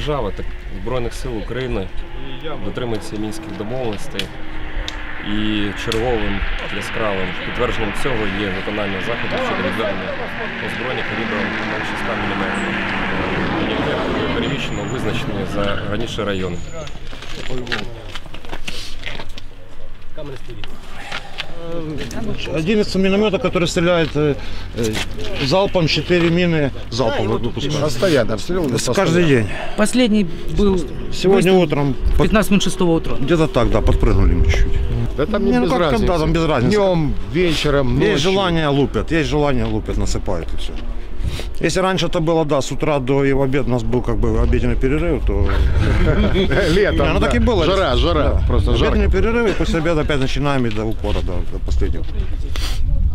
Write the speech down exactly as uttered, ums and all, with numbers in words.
держава, так Збройних сил України дотримується мінських домовленостей. І черговим яскравим підтвердженням цього є виконання заходів щодо відведення озброєння калібром менше ста міліметрів, яке буде переміщено у визначені за раніше райони. одиннадцать миномета, который стреляет э, залпом, четыре мины залпом выпускают. Постоянно обстреливают? Каждый день. Последний был сегодня утром. пятнадцать минут шестого утра. Где-то так, да, подпрыгнули мы чуть-чуть. Да там не, не без ну, как, разницы. Да, там без разницы. Днем, вечером, ночью. Есть желание лупят, есть желание лупят, насыпают и все. Если раньше это было, да, с утра до и в обед у нас был как бы обеденный перерыв, то... Летом, ну так и было. Жара, жара, просто жарко. Обеденный перерыв, и после обеда опять начинаем и до упора, до последнего.